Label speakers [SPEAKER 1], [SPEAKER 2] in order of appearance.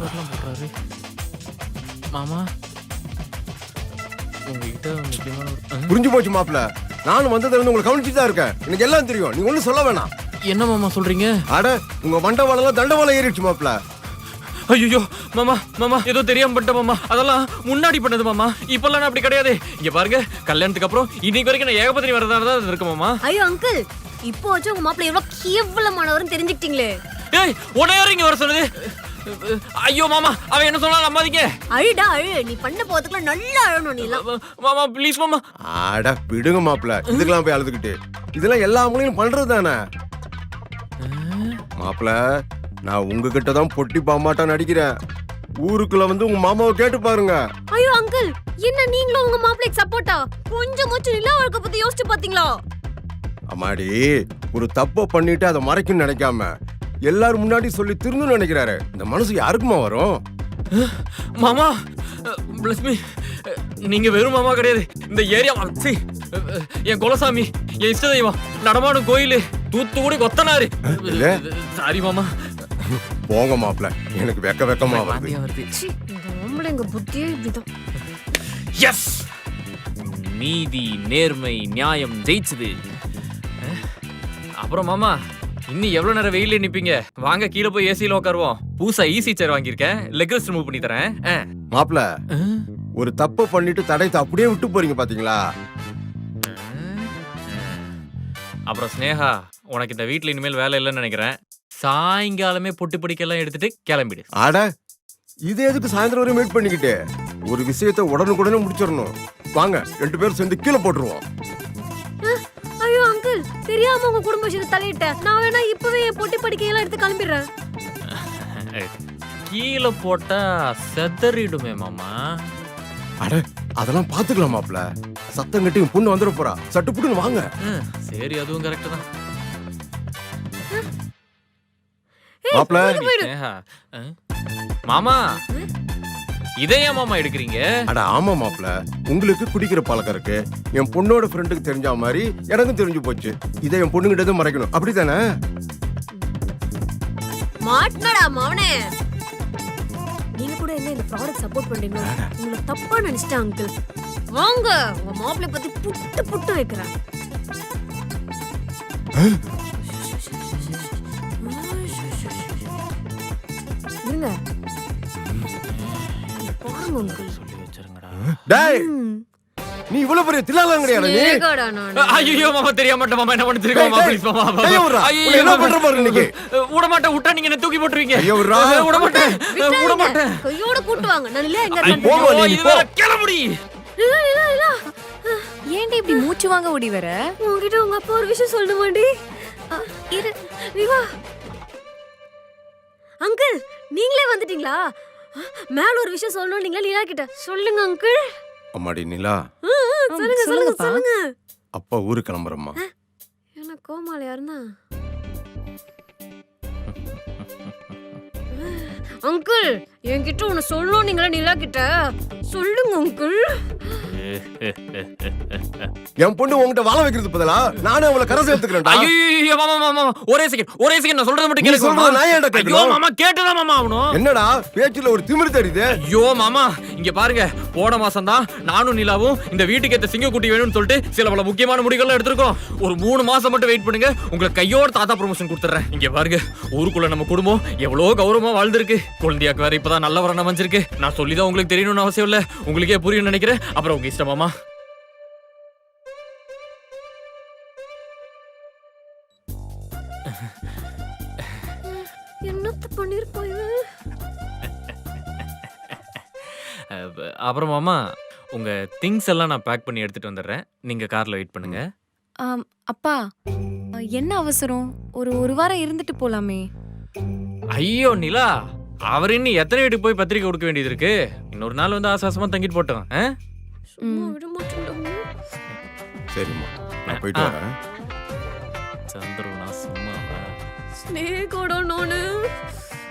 [SPEAKER 1] வரலாம் போடுறாரு. மாமா உங்ககிட்ட முக்கியமான
[SPEAKER 2] புரிஞ்சு போச்சு மாப்பிள்ள. நானும் வந்ததுல இருந்து உங்களை கவனிச்சுட்டு தான் இருக்கேன். எனக்கு எல்லாம் தெரியும். நீ ஒன்னும் சொல்ல வேணாம்.
[SPEAKER 1] என்ன மாமா சொல்றீங்க?
[SPEAKER 2] அட உங்க மண்டவாளம் தண்டவாளம் ஏறிடுச்சு மாப்பிள்ள.
[SPEAKER 1] ஐயோ மாமா மாமா ஏதோ தெரியாம பண்ணிட்ட மாமா. அதெல்லாம் முன்னாடி பண்ணது மாமா. இப்பெல்லாம் நான் அப்படி கிடையாது. இங்க பாருங்க, கல்யாணத்துக்கு அப்புறம் இன்னைக்கு வரைக்கும் நான் ஏகபத்தினி வரதா தான் இருக்கு மாமா.
[SPEAKER 3] ஐயோ அங்கிள், இப்போ வச்சு உங்க மாப்பிள்ளை எவ்வளவு கேவலமானவர்னு தெரிஞ்சுக்கிட்டீங்களே.
[SPEAKER 1] ஏய் உடனே இங்க வர சொன்னது. ஐயோ மாமா, அவன் என்ன சொன்னா நம்பாதீங்க.
[SPEAKER 3] அழுடா அழு, நீ பண்ண போறதுக்குள்ள நல்லா அழணும் நீ எல்லாம்.
[SPEAKER 1] மாமா ப்ளீஸ் மாமா.
[SPEAKER 2] அட விடுங்க மாப்பிள்ள, இதுக்கெல்லாம் போய் அழுதுகிட்டு. இதெல்லாம் எல்லா மூலையும் பண்றது தானே மாப்பிள்ள. நான் உங்ககிட்ட தான் பொட்டி பாமாட்டா நடிக்கிறேன். ஊருக்குள்ள வந்து உங்க மாமாவை கேட்டு பாருங்க.
[SPEAKER 3] ஐயோ அங்கிள், என்ன நீங்களும் உங்க மாப்பிள்ளைக்கு சப்போர்ட்டா? கொஞ்சமாச்சும் நிலா வாழ்க்கை பத்தி யோசிச்சு பாத்தீங்களா?
[SPEAKER 2] அம்மாடி, ஒரு தப்ப பண்ணிட்டு அதை மறைக்கும்னு நினைக்காம எல்லாரும் முன்னாடி சொல்லி திருந்தணும்னு நினைக்கிறாரு. இந்த மனசு யாருக்குமா வரும்?
[SPEAKER 1] மாமா பிளஸ் மீ. நீங்க வெறும் மாமா கிடையாது, இந்த ஏரியா என் குலசாமி, என் இஷ்ட தெய்வம், நடமாடும் கோயில், தூத்துக்குடி கொத்தனாரு. சாரி மாமா.
[SPEAKER 2] போங்க மாப்பிள்ள, எனக்கு வெக்கமா வருது.
[SPEAKER 3] ஆம்பளைங்க புத்தியே இப்படிதான்.
[SPEAKER 1] எஸ், நீதி நேர்மை நியாயம் ஜெயிச்சது. அப்புறம் மாமா, இன்னும் எவ்வளவு நேரம் வெயில நிப்பீங்க? வாங்க கீழே போய் ஏசியில உட்காருவோம். பூசா ஈசி சேர் வாங்கியிருக்கேன், லெக் ரெஸ்ட் ரிமூவ் பண்ணி தரேன்.
[SPEAKER 2] மாப்பிள்ள, ஒரு தப்பு பண்ணிட்டு தடயத்தை அப்படியே விட்டு போறீங்க பாத்தீங்களா?
[SPEAKER 1] அப்புறம் ஸ்னேகா, உனக்கு இந்த வீட்டுல இனிமேல் வேலை இல்லைன்னு நினைக்கிறேன். சாயங்காலமே பொட்டி பிடிக்கெல்லாம் எடுத்துட்டு கிளம்பிடு.
[SPEAKER 2] ஆட, இது எதுக்கு சாயந்தரம் வரையும் வெயிட் பண்ணிக்கிட்டு? ஒரு விஷயத்தை உடனுக்குடனே முடிச்சிடணும். வாங்க 2 பேரும் சேர்ந்து கீழே போட்டுருவோம்.
[SPEAKER 3] ஐயோ அங்கிள், தெரியாம உங்க குடும்ப விஷயத்தை தலையிட்டேன். நான் வேணா இப்பவே என் பொட்டி படிக்கையெல்லாம் எடுத்து கிளம்பிடுறேன்.
[SPEAKER 1] கீழே போட்டா செதறிடுமே மாமா.
[SPEAKER 2] அட, அதெல்லாம் பாத்துக்கலாம் மாப்பிள்ள. சத்தம் கட்டி பொண்ணு வந்துட போறா. சட்டு புட்டுன்னு வாங்க.
[SPEAKER 1] சரி, அதுவும் கரெக்ட் தான்
[SPEAKER 2] மாப்பிள்ள.
[SPEAKER 1] மாமா, இதை ஏன் மாமா எடுக்கிறீங்க?
[SPEAKER 2] அட ஆமா மாப்பிள்ள, உங்களுக்கு குடிக்கிற பழக்கம் இருக்கு. என் பொண்ணோட ஃப்ரெண்டுக்கு தெரிஞ்ச மாதிரி எனக்கும் தெரிஞ்சு போச்சு. இதை என் பொண்ணுகிட்ட மறைக்கணும், அப்படித்தானே?
[SPEAKER 3] மாட்னடா மவனே. நீங்க கூட என்ன இந்த ப்ராடக்ட் சப்போர்ட் பண்றீங்க? உங்களை தப்பா நினைச்சிட்டேன் அங்கிள். வாங்க, உங்க மாப்பிள்ளை பத்தி புட்டு புட்டு வைக்கிறேன். இருங்க பாருங்க அங்கிள்.
[SPEAKER 1] சொல்லி வச்சிருங்கடா.
[SPEAKER 2] டேய், நீ இவ்வளவு பெரிய தில்லாலங்கடியாடா நீ?
[SPEAKER 3] ஏகடா நான்.
[SPEAKER 1] ஐயோ மாமா, தெரியாம மாட்டேன் மாமா. என்ன பண்ணிட்டு இருக்கீங்க மாமா? ப்ளீஸ் மாமா.
[SPEAKER 2] ஐயோ, என்ன பண்ற பாரு இன்னைக்கு.
[SPEAKER 1] விட மாட்டேன், விட்டா நீங்க என்ன தூக்கி போட்டுருவீங்க.
[SPEAKER 2] ஐயோ விட மாட்டேன்.
[SPEAKER 1] விட மாட்டேன்.
[SPEAKER 3] கையோட கூட்டி வாங்க. நான் இல்ல எங்க
[SPEAKER 1] கிளம்புடி.
[SPEAKER 3] இல்ல இல்ல இல்ல.
[SPEAKER 4] ஏன்டி இப்படி மூச்சு வாங்க ஓடி வர?
[SPEAKER 3] உங்ககிட்ட உங்க அப்பா ஒரு விஷயம் சொல்லணுமாடி? இரு விவா. அங்கிள், நீங்களே வந்துட்டீங்களா? மேல ஒரு விஷயம் சொல்லணும். நீங்களே லீலா கிட்ட சொல்லுங்க அங்கிள்.
[SPEAKER 2] அம்மாடி நிலா,
[SPEAKER 3] சொல்லுங்க சொல்லுங்க சொல்லுங்க.
[SPEAKER 2] அப்பா ஊருக்கு கிளம்புறம்மா.
[SPEAKER 3] என்ன கோமாளி யாருன்னா? அங்கிள், என்கிட்ட ஒன்னு சொல்லணும். நீங்களே லீலா கிட்ட சொல்லுங்க அங்கிள்.
[SPEAKER 2] என் பொண்ணு உங்ககிட்ட வாழ வைக்கிறது பதிலா நானே அவளை கரை சேர்த்துக்கிறேன்டா.
[SPEAKER 1] ஐயோ மாமா மாமா, ஒரே செகண்ட் நான் சொல்றது மட்டும் கேளுங்க மாமா.
[SPEAKER 2] நான் ஏன்டா கேட்கணும்?
[SPEAKER 1] ஐயோ மாமா, கேட்டதா மாமா ஆவணும்.
[SPEAKER 2] என்னடா பேச்சுல ஒரு திமிரு தெரியுது?
[SPEAKER 1] ஐயோ மாமா, இங்க பாருங்க, போன மாசம் தான் நானும் நிலாவும் இந்த வீட்டுக்கு ஏத்த சிங்கக்குட்டி வேணும்னு சொல்லிட்டு சில பல முக்கியமான முடிவுகள் எடுத்திருக்கோம். ஒரு 3 மாசம் மட்டும் வெயிட் பண்ணுங்க, உங்களுக்கு கையோட தாத்தா ப்ரமோஷன் கொடுத்துறேன். இங்க பாருங்க, ஊருக்குள்ள நம்ம குடும்பம் எவ்வளவு கௌரவமா வாழ்ந்திருக்கு. குழந்தையாக்கு வேற இப்பதான் நல்ல வரணும் அமைஞ்சிருக்கு. நான் சொல்லிதான் உங்களுக்கு தெரியணும்னு அவசியம் இல்ல, உங்களுக்கே புரியும் நினைக்கிறேன். அப்புறம் உங்க இஷ்டம் மாமா.
[SPEAKER 3] என்னத்த பண்ணிருப்பாங்க?
[SPEAKER 1] அப்புறம் மாமா, உங்க திங்ஸ் எல்லாம் நான் பேக் பண்ணி எடுத்துட்டு வந்துடுறேன். நீங்க கார்ல வெயிட் பண்ணுங்க.
[SPEAKER 4] அப்பா, என்ன அவசரம்? ஒரு வாரம் இருந்துட்டு போலாமே.
[SPEAKER 1] ஐயோ நிலா, அவர் இன்னும் எத்தனை வீட்டுக்கு போய் பத்திரிக்கை கொடுக்க வேண்டியது இருக்கு? இன்னொரு நாள் வந்து ஆசாசமா தங்கிட்டு போட்டோம்.
[SPEAKER 3] சும்மா விட மாட்டேன்டா.
[SPEAKER 2] சரிம்மா, நான் போயிட்டு வரேன்.
[SPEAKER 1] சந்திரனா சும்மா
[SPEAKER 3] ஸ்னேகோட நானு